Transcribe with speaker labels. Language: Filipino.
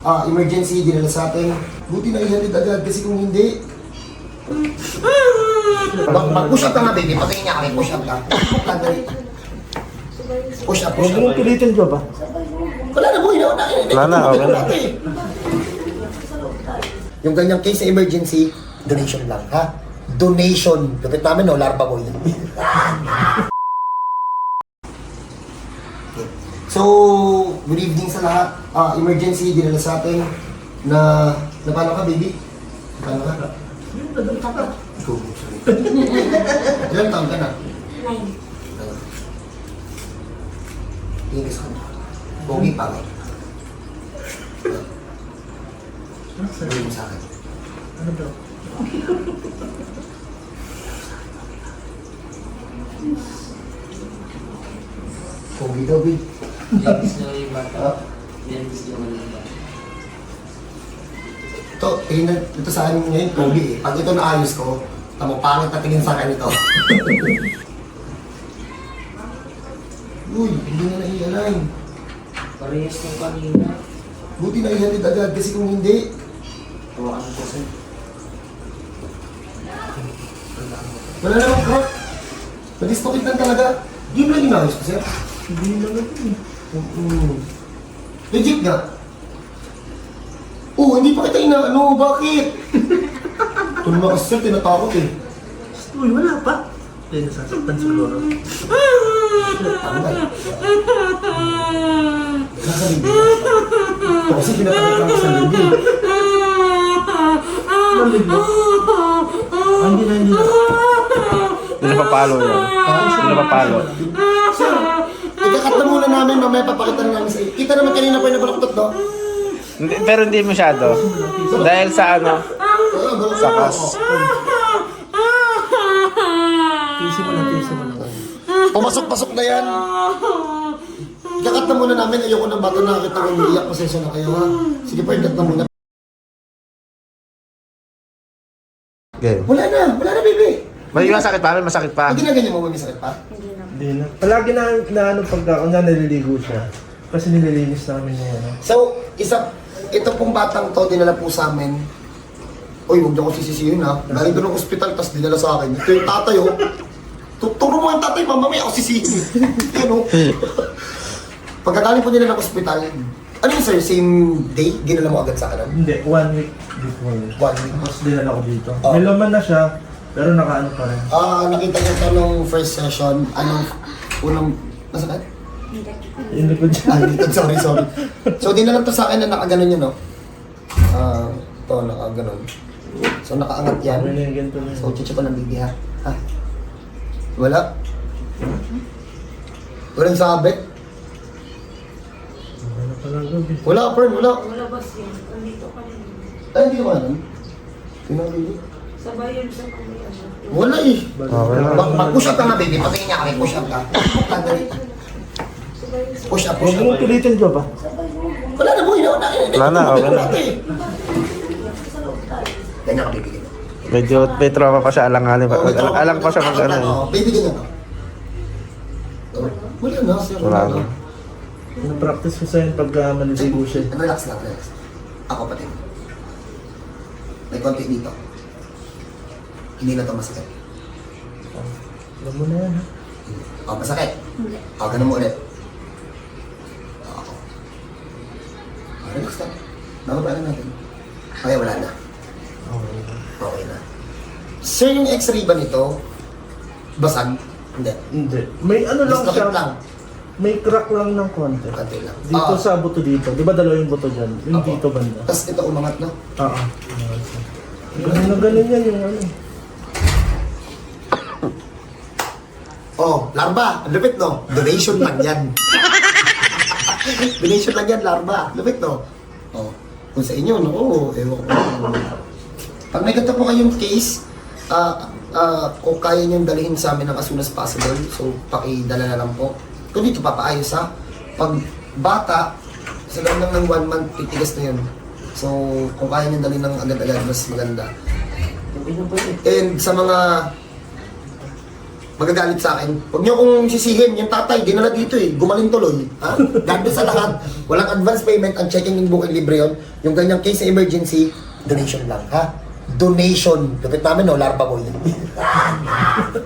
Speaker 1: Emergency, dinala sa atin. Buti na ihalid agad kasi kung hindi... Mag-push up ka nga, baby. Patingin niya kami, push up ka. Push up, push up.
Speaker 2: Huwag mong pilitin, Job, ah.
Speaker 1: Wala na, boy.
Speaker 3: Wala na, okay na.
Speaker 1: Yung ganyang case sa emergency, donation lang, ha? Donation. Lupit namin, no? Larva boy. So, good evening sa lahat. Emergency, dinala sa atin na paano ka, baby? Paano ka? Go, sorry. Ilang taon ka na?
Speaker 4: 9.
Speaker 1: Tingin ka sa kanya. Pogi pa, ngay. Sabihin mo sa akin.
Speaker 2: Ano daw?
Speaker 1: Pogi daw, baby.
Speaker 5: Linis na yung bata. Linis na yung bata.
Speaker 1: Ito sa akin ngayon, pogi eh. Pag ito naayos ko, tamo pangit na tingin sa akin ito. Uy, hindi na naialign.
Speaker 5: Parehas ng kanina.
Speaker 1: Buti na ihalid agad kasi kung hindi,
Speaker 5: Tawakan ko sir.
Speaker 1: wala namang crack. Nadislocate lang talaga. Di mo lang inayos ko, sir.
Speaker 2: Hindi na lang ito, eh.
Speaker 1: Legit nga. Oh, hindi pa kita inaano. Bakit? Ito naman kasi, sir, tinatakot eh.
Speaker 2: Uy, wala pa. Hindi, nasasaktan siguro.
Speaker 1: Tanggal. Nasa libig. Ito kasi pinapakita lang sa libig.
Speaker 2: Malig mo. Hindi na.
Speaker 3: Hindi na papalo yan. Hindi na papalo.
Speaker 1: Sir, ikakat na muna namin, mamaya papakita na namin sa iyo. Kita naman kanina pa yung nabalaktot, no?
Speaker 3: Pero hindi masyado. Dahil sa ano, sa kas.
Speaker 2: Tisi mo lang.
Speaker 1: Pumasok-pasok na yan. Ikakat na muna namin, ayoko ng bata nakakita ko umiiyak. Pasensya na kayo, ha? Sige pa, ikat na muna.
Speaker 3: Okay.
Speaker 1: Wala na, baby.
Speaker 3: May masakit pa, may masakit pa.
Speaker 1: Pag ginaganyan mo, may sakit pa?
Speaker 4: Hindi na.
Speaker 2: Hindi na. Palagi na ano pagka kung naliligo siya. Kasi nililinis namin yung ano.
Speaker 1: So, ito pong batang to, dinala po sa amin. Uy, huwag niyo ko sisisihin, ha? Galing doon ng ospital, tapos dinala sa akin. Ito yung tatay, oh. Turo mo ang tatay, mamamaya ako sisihin. Yan, oh. Pagkagaling po nila ng ospital, ano yun, sir? Same day? Ginala mo agad sa kanan?
Speaker 2: Hindi, 1 week before.
Speaker 1: 1 week.
Speaker 2: Tapos dinala ko dito.
Speaker 1: Oh.
Speaker 2: May laman na siya, pero nakaano pa rin.
Speaker 1: Nakita niyo ito nung first session, unang, nasaan?
Speaker 2: Yung likod siya.
Speaker 1: Ay, sorry. So, dinala to sa akin na nakaganon yun, no? Ito, nakaganon. So, nakaangat yan.
Speaker 2: Ano na yung ganito na yun?
Speaker 1: So, chuchu ko ng bibi, ha? Ha? Wala? Walang sabit?
Speaker 2: Ano pala gabi?
Speaker 1: Wala, Fern, wala.
Speaker 4: Wala ba siya? Andito ka rin.
Speaker 1: Ay, hindi naman. Pinabili.
Speaker 4: Sabay yun sa kuya.
Speaker 1: Wala eh.
Speaker 3: Okay na.
Speaker 1: Mag-push up ka nga, baby. Patingin niya kami, push up ka. Dali. Push up,
Speaker 2: Huwag
Speaker 1: push up.
Speaker 2: mong pilitin, Job, ah.
Speaker 1: Wala na, boy.
Speaker 3: Wala na, okay na.
Speaker 1: Ganyan ka, baby.
Speaker 3: Medyo may trauma pa siya, alang-alang pa. Alang pa siya mag ano.
Speaker 1: Baby, ganyan ka. Wala na, sir.
Speaker 3: Wala na.
Speaker 2: Na-practice ko sa'yo pag maliligo siya.
Speaker 1: Relax lang, relax. Ako pati. May konti dito. Hindi na ito masakit.
Speaker 2: Alam mo na yan, ha?
Speaker 1: Masakit. Ganun mo ulit. Relax lang. Bababa na natin. Okay, wala na. Okay na. Sir, yung x-ray ba nito? Basag? Hindi.
Speaker 2: Hindi. May ano lang
Speaker 1: Dislocate
Speaker 2: siya.
Speaker 1: lang.
Speaker 2: May crack lang ng konti.
Speaker 1: Konti lang.
Speaker 2: Dito sa buto dito. Di ba dalawa yung buto dyan? Yung
Speaker 1: Opo.
Speaker 2: dito banda.
Speaker 1: Tapos ito umangat, no?
Speaker 2: Oo. Ganun na ganun yan yung ano.
Speaker 1: Larva. Ang lupit, no? Donation lang yan. Donation lang yan, larva. Lupit, no? Kung sa inyo, no? Ewan ko. Pag may ganito po kayong case, kung kaya nyo dalhin sa amin as soon as possible, so pakidala na lang po. Kung dito papaayos, ha? Pag bata, sa loob lang ng 1 month, titigas na yun. So, kung kaya nyo dalhin ng agad-agad, mas maganda. And sa mga magagalit sa akin. Huwag niyo kong sisihin, yung tatay, dinala dito eh, gumaling tuloy. Ha? God bless sa lahat. Walang advance payment, ang checking and booking libre yun. Yung ganyang case sa emergency, donation lang, ha? Donation. Lupit namin, no? Larva boy.